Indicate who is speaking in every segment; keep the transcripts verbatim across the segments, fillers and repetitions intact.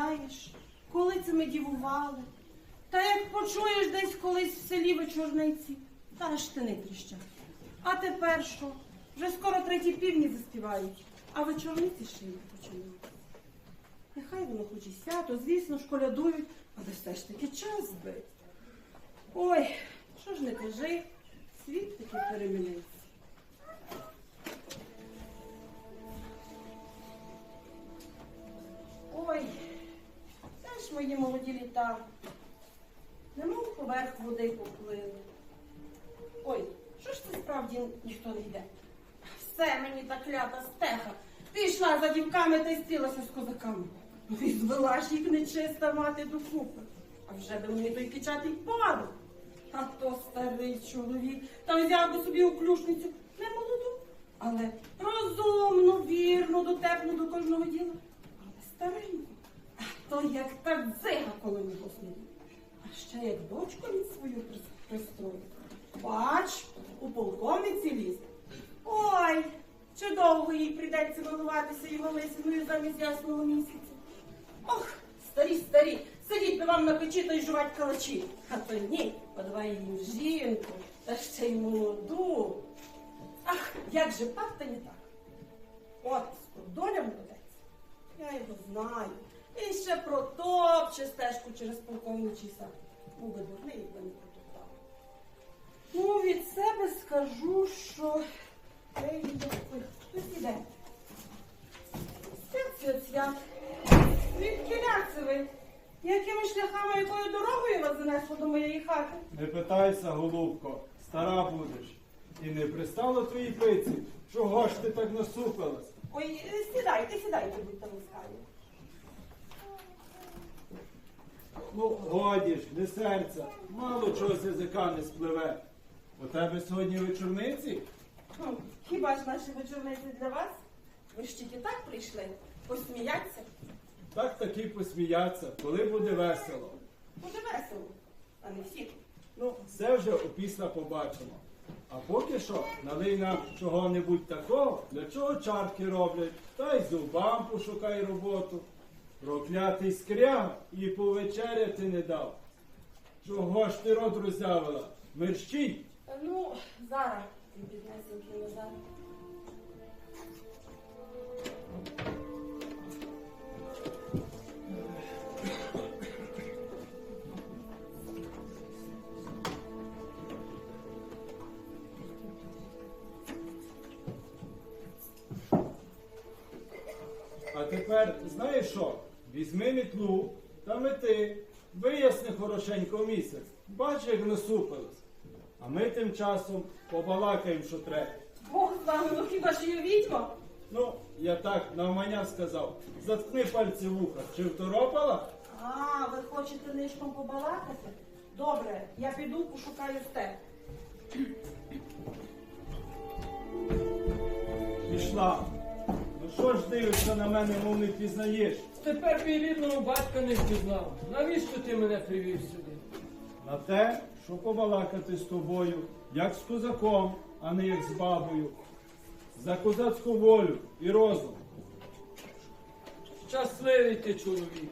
Speaker 1: пам'ятаєш, коли це ми дівували? Та як почуєш десь колись в селі вечорниці, та аж штани тріщать. А тепер що? Вже скоро треті півні заспівають, а вечорниці ще й не починають. Нехай воно хоч і свято, звісно, школядують, але все ж таки час збить. Ой, що ж не кажи, світ таки перемінився. Ой, це ж мої молоді літа, немов поверх води поплили. Ой, що ж це справді ніхто не йде? Все мені та клята стеха. Пішла за дівками та й стрілася з козаками. Ну і звела ж їх нечиста мати докупи. А вже би мені той кичатий пару. А то старий чоловік, та взяв би собі уклюшницю, не молоду, але розумну, вірну, дотепну до кожного діла. Але стареньку, а то як та дзига коло нього сидить. А ще як дочку від свою пристроїть. Бач, у полковниці лізе. Ой, чи довго їй прийдеться милуватися його лисиною замість ясного місяця? Ох, старі, старі, сидіть би вам на печі та й жувать калачі. А то ні, подавай їм жінку, та ще й молоду. Ах, як же пак та не так. От, доля молодець. Я його знаю. І ще протопче стежку через полковничий сад. Був би дурний, якби не протоптав. Ну, від себе скажу, що... Ей, ой, хтось іде. Свят, свят, свят. Звідки це ви? Якими шляхами, якою дорогою вас занесло до моєї хати?
Speaker 2: Не питайся, голубко, стара будеш. І не пристало твоїй пиці. Чого ж ти так насупилась?
Speaker 1: Ой, сідайте, сідайте, будьте ласкаві.
Speaker 2: Ну, годі ж, не серця, мало чого з язика не спливе. У тебе сьогодні вечорниці?
Speaker 1: Ну, хіба ж наші вечорниці для вас? Ви ж тільки так прийшли? Посміяться?
Speaker 2: Так таки посміяться, коли буде весело.
Speaker 1: Буде весело, а не всі.
Speaker 2: Ну, все вже опісля побачимо. А поки що налий нам чого-небудь такого, для чого чарки роблять, та й зубам пошукай роботу. Проклятий скряг і повечеряти не дав. Чого ж ти рот роззявила? Мерщій!
Speaker 1: Ну, зараз, біднесенький Назар.
Speaker 2: А тепер, знаєш що? Візьми мітлу та мети, виясни хорошенько місяць. Бач, як насупилась. А ми тим часом побалакаємо, що треба.
Speaker 1: Бог з вами, ну хіба ж я відьма?
Speaker 2: Ну, я так навмання сказав. Заткни пальці в вуха. Чи второпала?
Speaker 1: А, ви хочете нишком побалакати? Добре, я піду пошукаю степ.
Speaker 2: Пішла. Ну що ж дивишся на мене, мов не пізнаєш?
Speaker 3: Тепер мій рідного батька не впізнав. Навіщо ти мене привів сюди?
Speaker 2: На те, що побалакати з тобою, як з козаком, а не як з бабою. За козацьку волю і розум.
Speaker 3: Щасливий ти чоловік.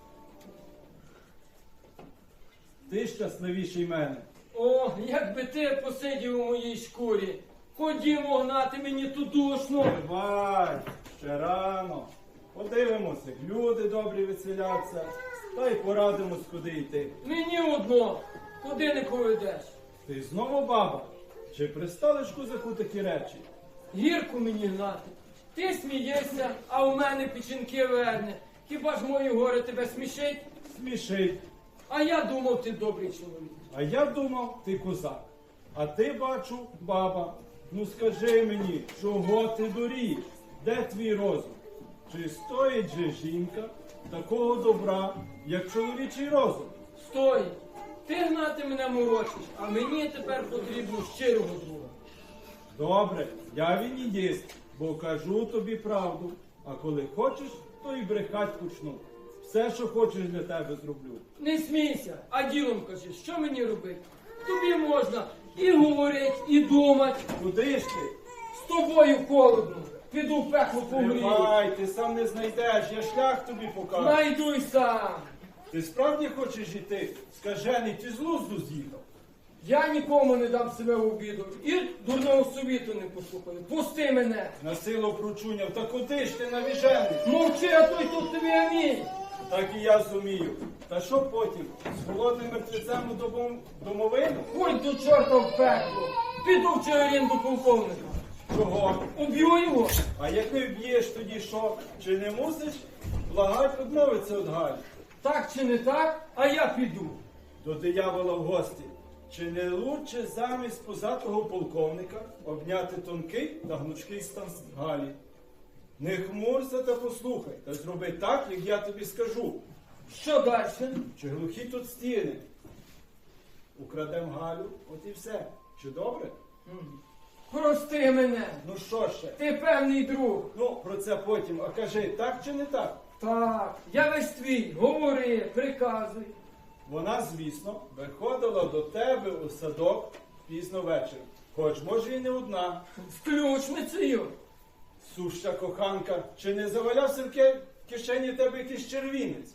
Speaker 2: Ти щасливіший мене.
Speaker 3: О, якби ти посидів у моїй шкурі. Ходімо гнати мені ту душну.
Speaker 2: Давай, ще рано. Подивимося, як люди добрі веселяться, та й порадимось, куди йти.
Speaker 3: Мені одно. Куди не поведеш?
Speaker 2: Ти знову баба? Чи пристали ж козаку такі речі?
Speaker 3: Гірку мені гнати. Ти смієшся, а у мене печінки верне. Хіба ж мої гори тебе смішить?
Speaker 2: Смішить.
Speaker 3: А я думав, ти добрий чоловік.
Speaker 2: А я думав, ти козак. А ти, бачу, баба. Ну скажи мені, чого ти дурієш? Де твій розум? Чи стоїть же жінка такого добра, як чоловічий розум?
Speaker 3: Стой! Ти гнати мене морочиш, а мені тепер потрібно щирого друга.
Speaker 2: Добре, я вінідіст, бо кажу тобі правду. А коли хочеш, то і брехать почну. Все, що хочеш, для тебе зроблю.
Speaker 3: Не смійся, а ділом кажи, що мені робити? Тобі можна і говорить, і думати.
Speaker 2: Куди ж ти?
Speaker 3: З тобою холодно. піду в пекло погрію.
Speaker 2: Тривай, ти сам не знайдеш, я шлях тобі покажу.
Speaker 3: Найду й сам.
Speaker 2: Ти справді хочеш іти? Скажений, ти з глузду з'їхав.
Speaker 3: Я нікому не дам себе в обіду і дурного совіту не послухаю. Пусти мене.
Speaker 2: На силу прочуняв, та куди ж ти навіжений?
Speaker 3: Мовчи, а той тут тобі амінь.
Speaker 2: Так і я зумію. Та що потім? З голодним мертвецем у домов- домовину?
Speaker 3: Ходь до чорта в пекло. Піду в Чигирин до полковника.
Speaker 2: Чого?
Speaker 3: Уб'ю його.
Speaker 2: А як не вб'єш тоді що? Чи не мусиш благать відмовитися від Галі?
Speaker 3: Так чи не так, а я піду.
Speaker 2: До диявола в гості. Чи не лучше замість позатого полковника обняти тонкий та гнучкий стан Галі? Не хмурся та послухай, та зроби так, як я тобі скажу.
Speaker 3: Що далі?
Speaker 2: Чи глухі тут стіни? Украдем Галю, от і все. Чи добре?
Speaker 3: Прости мене.
Speaker 2: Ну що ще?
Speaker 3: Ти певний друг.
Speaker 2: Ну, про це потім. А кажи, так чи не так?
Speaker 3: Так, я весь твій. Говори, приказуй.
Speaker 2: Вона, звісно, виходила до тебе у садок пізно ввечері. Хоч, може, і не одна.
Speaker 3: З ключницею.
Speaker 2: Суща коханка, чи не завалявся в ке- кишені тебе якийсь червінець?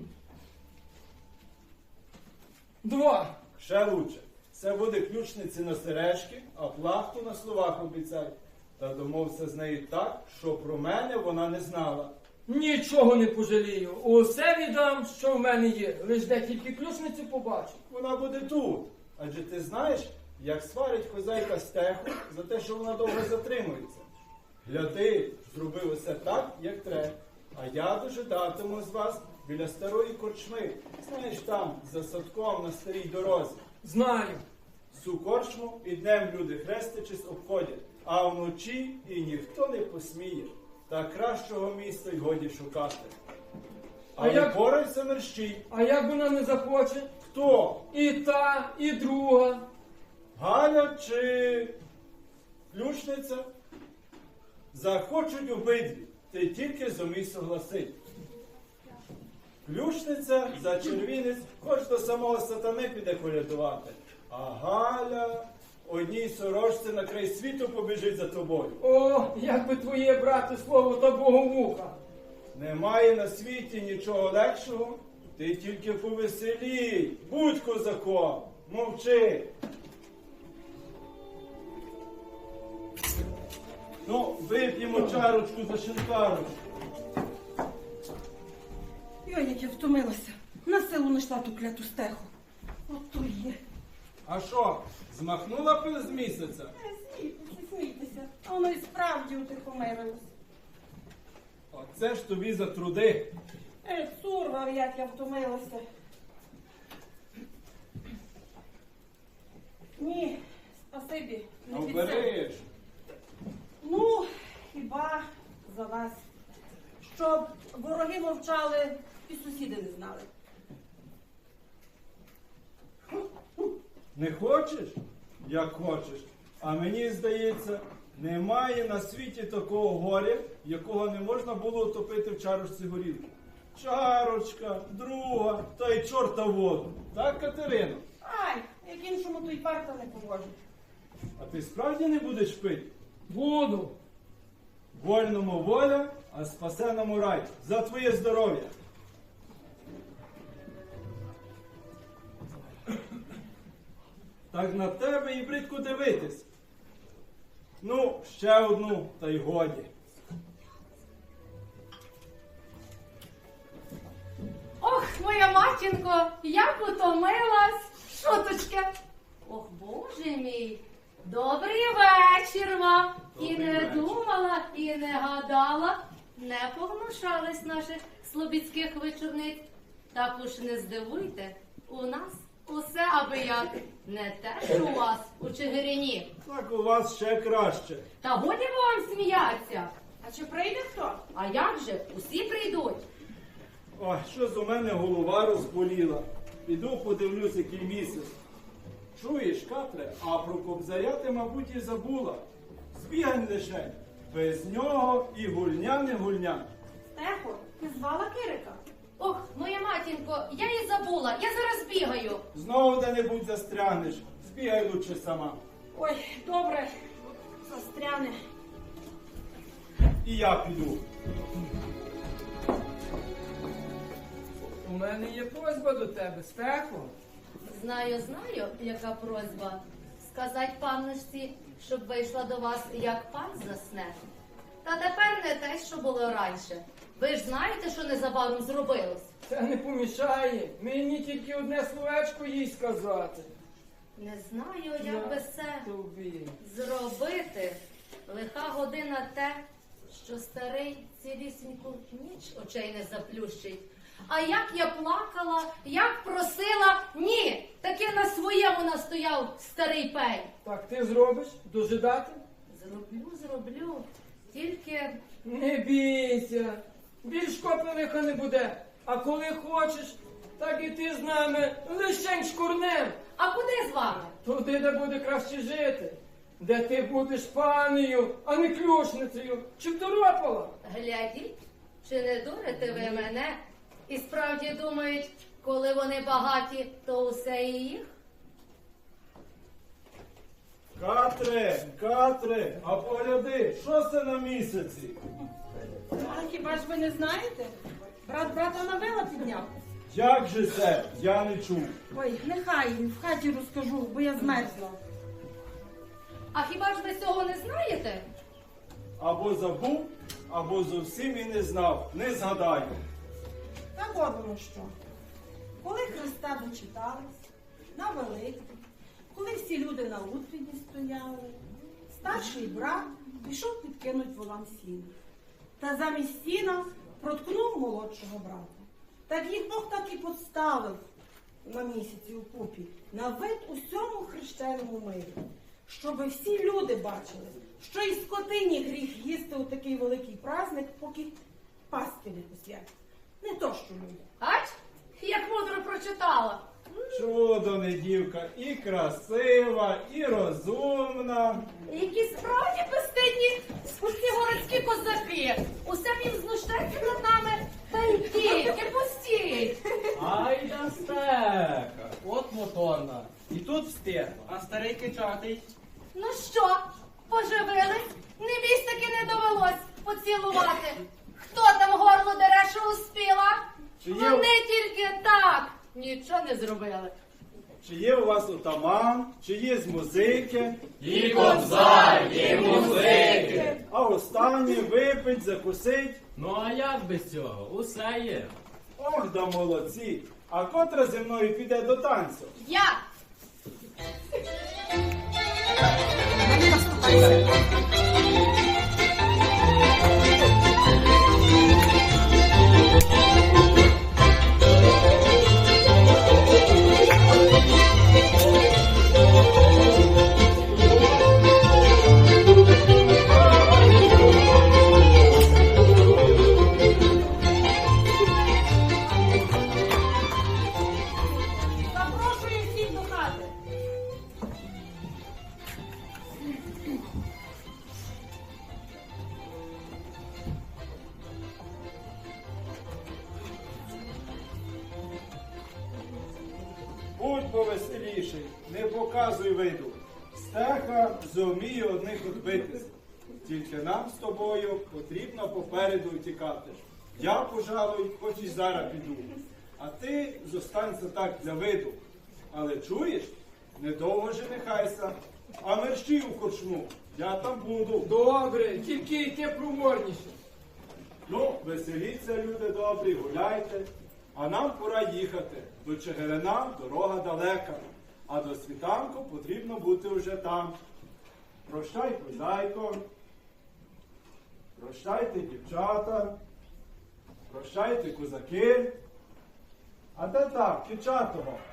Speaker 3: Два.
Speaker 2: Ще лучше. Це буде ключниці на сережки, а плахту на словах обіцяй. Та домовся з нею так, що про мене вона не знала.
Speaker 3: Нічого не пожалію. Усе віддам, що в мене є. Лиш де тільки ключницю побачу.
Speaker 2: Вона буде тут. Адже ти знаєш, як сварить хозяйка стеху за те, що вона довго затримується. Гляди, зробив усе так, як треба. А я дожидатиму з вас біля старої корчми. Знаєш, там, за садком на старій дорозі.
Speaker 3: Знаю.
Speaker 2: Цю корчму і днем люди хрестичись обходять, а вночі і ніхто не посміє. Та кращого місця й годі шукати.
Speaker 3: А
Speaker 2: Але
Speaker 3: як-
Speaker 2: порайся мерщій.
Speaker 3: А як вона не захоче?
Speaker 2: Хто?
Speaker 3: І та, і друга.
Speaker 2: Галя чи ключниця? Захочуть обидві, ти тільки зумій согласить. Ключниця за червінець хоч до самого сатани піде колядувати. А Галя одній сорочці на край світу побіжить за тобою.
Speaker 3: О, як би твоє, брате, слово та боговуха.
Speaker 2: Немає на світі нічого легшого, ти тільки повеселій, будь козаком, мовчи. Ну, вип'ємо чарочку за шинкарочку.
Speaker 1: Йой, як я втомилася. На силу знайшла ту кляту стеху. Ото є.
Speaker 2: А що, змахнула пил з місяця?
Speaker 1: Е, Смійтеся, смійтеся. А воно і справді утихомирилось.
Speaker 2: Оце ж тобі за труди.
Speaker 1: Е, цурвав, як я втомилася. Ні, спасибі,
Speaker 2: А
Speaker 1: не підсилю.
Speaker 2: вбереш.
Speaker 1: Ну, хіба за вас. Щоб вороги мовчали і сусіди не знали.
Speaker 2: Не хочеш? Як хочеш. А мені здається, немає на світі такого горя, якого не можна було утопити в чарочці горілки. Чарочка, друга, та й чорта воду. Так, Катерино?
Speaker 1: Ай, як іншому то й парта не поможе.
Speaker 2: А ти справді не будеш пити?
Speaker 3: Буду.
Speaker 2: Вольному воля, а спасеному рай. За твоє здоров'я. Так на тебе і бридко дивитись. Ну, ще одну, та й годі.
Speaker 4: Ох, моя матінко, як утомилась. Шуточки. Ох, боже мій, добрий вечір вам. І
Speaker 2: Добрий
Speaker 4: не
Speaker 2: вечір.
Speaker 4: думала, і не гадала, не погнушались наших слобідських вечорниць. Так уж не здивуйте, у нас усе аби як. Не те, що у вас у Чигирині.
Speaker 2: Так у вас ще краще.
Speaker 4: Та годі вам сміяться.
Speaker 1: А чи прийде хто?
Speaker 4: А як же, усі прийдуть.
Speaker 2: Ой, щось у мене голова розболіла. Піду подивлюсь, який місяць. Чуєш, Катре, а про кобзаря ти, мабуть, і забула. Збігань лише. Без нього і гульня не гульня.
Speaker 1: Стехо, ти звала Кирика?
Speaker 4: Ох, моя матінко, я і забула, я зараз бігаю.
Speaker 2: Знову де-небудь застрянеш. Збігай лучше сама.
Speaker 1: Ой, добре, застряне.
Speaker 2: і я піду.
Speaker 3: У мене є просьба до тебе, Стефо.
Speaker 4: Знаю, знаю, яка просьба. Сказать панночці, щоб вийшла до вас, як пан засне. Та тепер не те, що було раніше. Ви ж знаєте, що незабаром зробилось?
Speaker 3: Це не помішає. Мені тільки одне словечко їй сказати.
Speaker 4: Не знаю, як би це
Speaker 3: Тобі.
Speaker 4: зробити. Лиха година те, що старий цілісіньку ніч очей не заплющить. А як я плакала, як просила, ні, таки на своєму настояв старий пень.
Speaker 3: Так ти зробиш? Дожидати?
Speaker 4: Зроблю, зроблю, тільки
Speaker 3: Не бійся. Більш копи лиха не буде. А коли хочеш, так і ти з нами лишень шкурнем.
Speaker 4: а куди з вами?
Speaker 3: Туди, де буде краще жити. Де ти будеш панею, а не клюшницею. Чи второпала?
Speaker 4: Глядіть, чи не дурите ви мене? І справді думають, коли вони багаті, то усе і їх?
Speaker 2: Катре, Катре, а погляди, що це на місяці?
Speaker 1: А хіба ж ви не знаєте? Брат брата на вила підняв.
Speaker 2: Як же це? Я не чув.
Speaker 1: Ой, нехай в хаті розкажу, бо я змерзла.
Speaker 4: А хіба ж ви цього не знаєте?
Speaker 2: Або забув, або зовсім і не знав. Не згадаю.
Speaker 1: Так от воно що. Коли Христа дочитались, на Великдень, коли всі люди на утренні стояли, старший брат пішов підкинуть волам сіна. Та замість сіна проткнув молодшого брата. Так їх Бог так і поставив на місяці у купі, на вид усьому хрещеному мирі. Щоби всі люди бачили, що і скотині гріх їсти у такий великий праздник, поки паски не посвятять. Не то, що люди.
Speaker 4: Ач, як мудро прочитала.
Speaker 2: Чудо не дівка, і красива, і розумна.
Speaker 4: Які справді безстидні усі городські козаки. Усе їм знущаються над нами, та й тільки пустіть.
Speaker 5: Ай да стека, от моторна. І тут встигла, а старий кичатий.
Speaker 4: Ну що, поживились? Не бійсь, таки не довелось поцілувати. Хто там горло дере, що успіла?
Speaker 2: Чи є-
Speaker 4: Вони тільки так нічого не зробили.
Speaker 2: Чи є у вас отаман, чи є з музики,
Speaker 5: І кобзар, і музики.
Speaker 2: а останнє випить, закусить.
Speaker 5: Ну а як без цього? Усе є.
Speaker 2: Ох, да молодці! А котра зі мною піде до танцю?
Speaker 4: Я!
Speaker 1: Запрошую всіх до хати.
Speaker 2: Будь повеселіший, не показуй виду. Стеха зуміє одних відбитись. Тільки нам з тобою потрібно попереду втікати. Я, пожалуй, хоч і зараз піду. А ти зостанься так для виду. Але чуєш, недовго женихайся, а мерщій у корчму. Я там буду.
Speaker 3: Добре, тільки йти проворніше.
Speaker 2: Ну, веселіться, люди добрі, гуляйте. А нам пора їхати. До Чигирина дорога далека, а до світанку потрібно бути вже там. Прощай, козайко. Прощайте, дівчата. Прощайте, козаки. А де так, дівчатого?